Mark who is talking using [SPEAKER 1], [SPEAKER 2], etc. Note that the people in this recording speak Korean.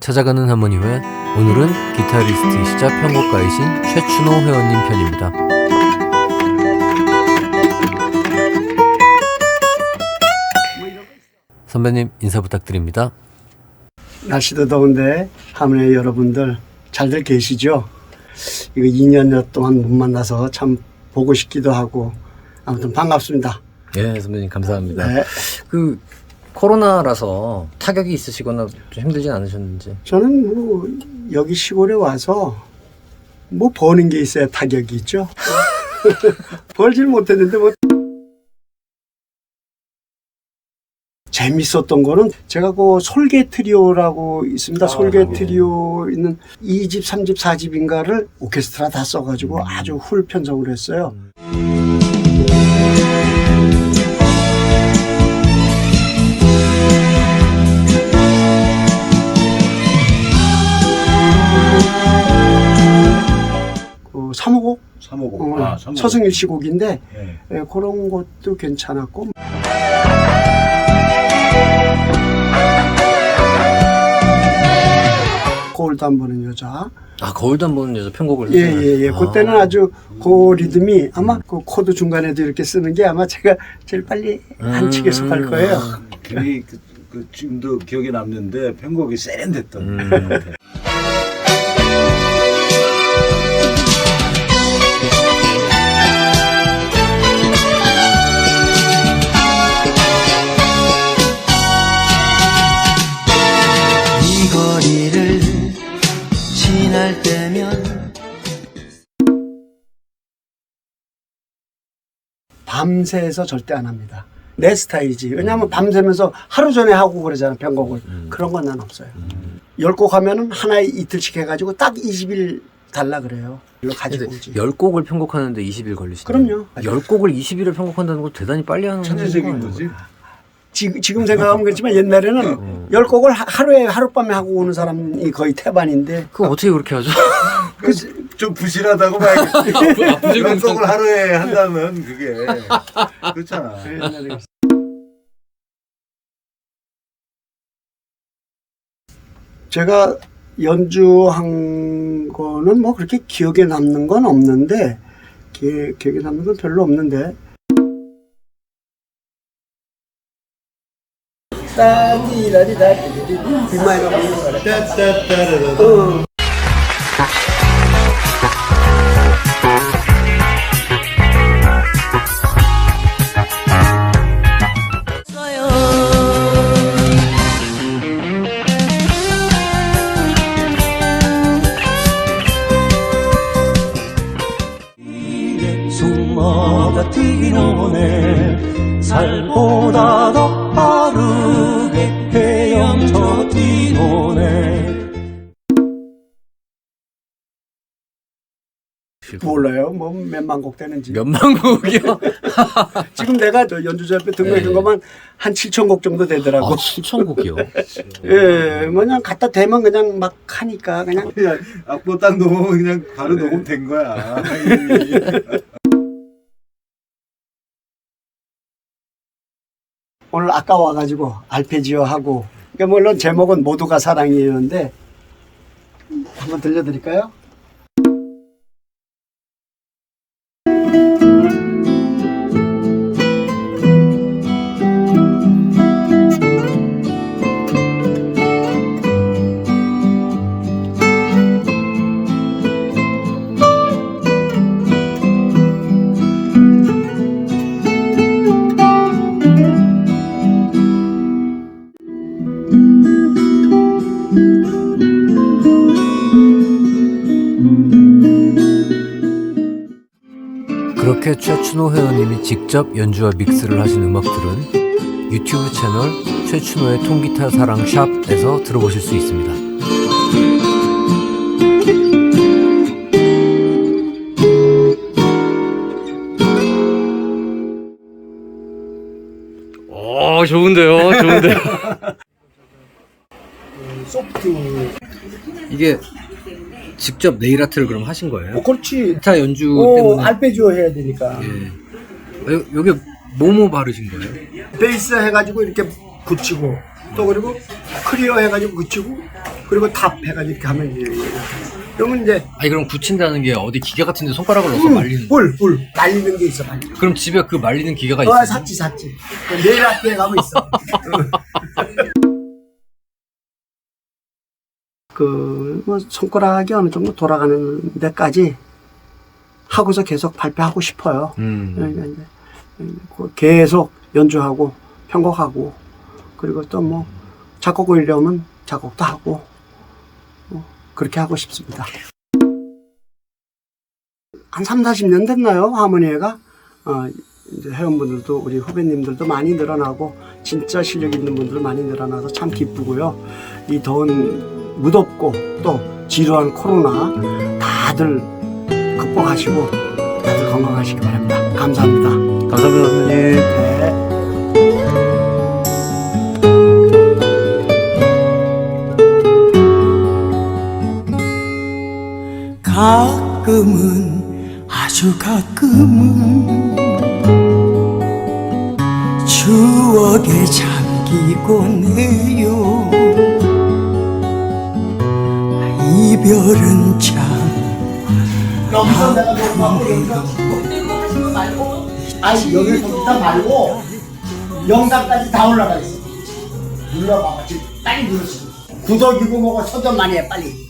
[SPEAKER 1] 찾아가는 하모니회, 오늘은 기타리스트이시자 편곡가이신 최춘호 회원님 편입니다. 선배님 인사 부탁드립니다.
[SPEAKER 2] 날씨도 더운데 하모니 여러분들 잘들 계시죠? 이거 2년여 동안 못 만나서 참 보고 싶기도 하고 아무튼 반갑습니다.
[SPEAKER 1] 예, 선배님 감사합니다.
[SPEAKER 2] 네.
[SPEAKER 1] 그 코로나라서 타격이 있으시거나 좀 힘들진 않으셨는지?
[SPEAKER 2] 저는 뭐 여기 시골에 와서 뭐 버는 게 있어야 타격이 있죠. 벌질 못했는데 뭐 재밌었던 거는 제가 그 솔개 트리오라고 있습니다. 솔개 트리오 있는 2집, 3집, 4집인가를 오케스트라 다 써가지고 아주 훌 편성을 했어요. 그 3호곡?
[SPEAKER 3] 3호곡.
[SPEAKER 2] 서승일 씨 곡인데
[SPEAKER 3] 네.
[SPEAKER 2] 예, 그런 것도 괜찮았고 거울도 안 보는 여자.
[SPEAKER 1] 아, 거울도 안 보는 여자 편곡을
[SPEAKER 2] 예,
[SPEAKER 1] 했어요?
[SPEAKER 2] 예. 그때는 아주 그 리듬이 아마 그 코드 중간에도 이렇게 쓰는 게 아마 제가 제일 빨리 한 칙에 속할 거예요.
[SPEAKER 3] 괜히 그 지금도 기억에 남는데 편곡이 세련됐던.
[SPEAKER 4] 이 거리를 지날 때면
[SPEAKER 2] 밤새서 절대 안 합니다. 내 스타일이지. 왜냐하면 밤새면서 하루 전에 하고 그러잖아, 편곡을. 그런 건 난 없어요. 10곡 하면은 하나에 이틀씩 해가지고 딱 20일 달라 그래요. 이거 가지고 오지.
[SPEAKER 1] 10곡을 편곡하는데 20일 걸리시죠?
[SPEAKER 2] 그럼요.
[SPEAKER 1] 10곡을 20일을 편곡한다는 건 대단히 빨리 하는
[SPEAKER 3] 천재적인 거지.
[SPEAKER 2] 지금 생각하면 그렇지만 옛날에는 10곡을 하루에 하룻밤에 하고 오는 사람이 거의 태반인데
[SPEAKER 1] 그거 어떻게 그렇게 하죠?
[SPEAKER 3] 좀 부실하다고 봐야겠지. 연속을 하루에 한다면 그게 그렇잖아.
[SPEAKER 2] 옛날에 제가 연주한 거는 뭐 그렇게 기억에 남는 건 없는데 기억에 남는 건 별로 없는데 따디라디다디디 비마이너
[SPEAKER 3] 따따따라라.
[SPEAKER 4] 숨어다 튀긴 오네 살보다 더 빠르게 헤엄쳐 뛰노네.
[SPEAKER 2] 몰라요. 뭐 몇만 곡 되는지.
[SPEAKER 1] 몇만 곡이요?
[SPEAKER 2] 지금 내가 저 연주자 옆에 등록한 것만 한 7천 곡 정도 되더라고.
[SPEAKER 1] 아, 7,000곡이요?
[SPEAKER 2] 예, 뭐 그냥 갖다 대면 그냥 막 하니까 그냥.
[SPEAKER 3] 그냥 악보 딱 놓으면 그냥 바로 녹음된 거야.
[SPEAKER 2] 오늘 아까 와가지고 알페지오 하고. 그러니까 물론 제목은 모두가 사랑이에요인데 한번 들려드릴까요?
[SPEAKER 1] 그렇게 최춘호 회원님이 직접 연주와 믹스를 하신 음악들은 유튜브 채널 최춘호의 통기타 사랑 샵에서 들어보실 수 있습니다. 오, 좋은데요? 좋은데요?
[SPEAKER 2] 소프트.
[SPEAKER 1] 이게 직접 네일 아트를 그럼 하신 거예요?
[SPEAKER 2] 그렇지.
[SPEAKER 1] 기타 연주
[SPEAKER 2] 오,
[SPEAKER 1] 때문에.
[SPEAKER 2] 알페지오 해야 되니까.
[SPEAKER 1] 여기 뭐뭐 바르신 거예요?
[SPEAKER 2] 베이스 해가지고 이렇게 붙이고 또 그리고 클리어 해가지고 붙이고 그리고 탑 해가지고 이렇게 하면 돼요. 그러면 이제
[SPEAKER 1] 아니 그럼 굳힌다는 게 어디 기계 같은데 손가락을 넣어서 말리는 거?
[SPEAKER 2] 뿔 말리는 게 있어. 말리는.
[SPEAKER 1] 그럼 집에 그 말리는 기계가 있어요?
[SPEAKER 2] 샀지. 내일 학교에 가면 있어. 뭐 손가락이 어느 정도 돌아가는 데까지 하고서 계속 발표하고 싶어요. 계속 연주하고 편곡하고 그리고 또 뭐 작곡을 이려면 작곡도 하고 그렇게 하고 싶습니다. 한 30-40년 됐나요? 하모니에가 이제 회원분들도 우리 후배님들도 많이 늘어나고 진짜 실력 있는 분들 많이 늘어나서 참 기쁘고요. 이 더운 무덥고 또 지루한 코로나 다들 극복하시고 다들 건강하시기 바랍니다. 감사합니다.
[SPEAKER 1] 감사합니다 선생님.
[SPEAKER 2] 네.
[SPEAKER 5] 가끔은 아주 가끔은 추억에 잠기곤 해요. 이별은 참
[SPEAKER 2] 여기서 내가 녹음하고 여기서 아니 여기 컴퓨터 말고 영상까지 다 올라가 있어. 눌러봐. 지금 빨리 누르시고 구독이고 뭐고 서점 많이 해 빨리.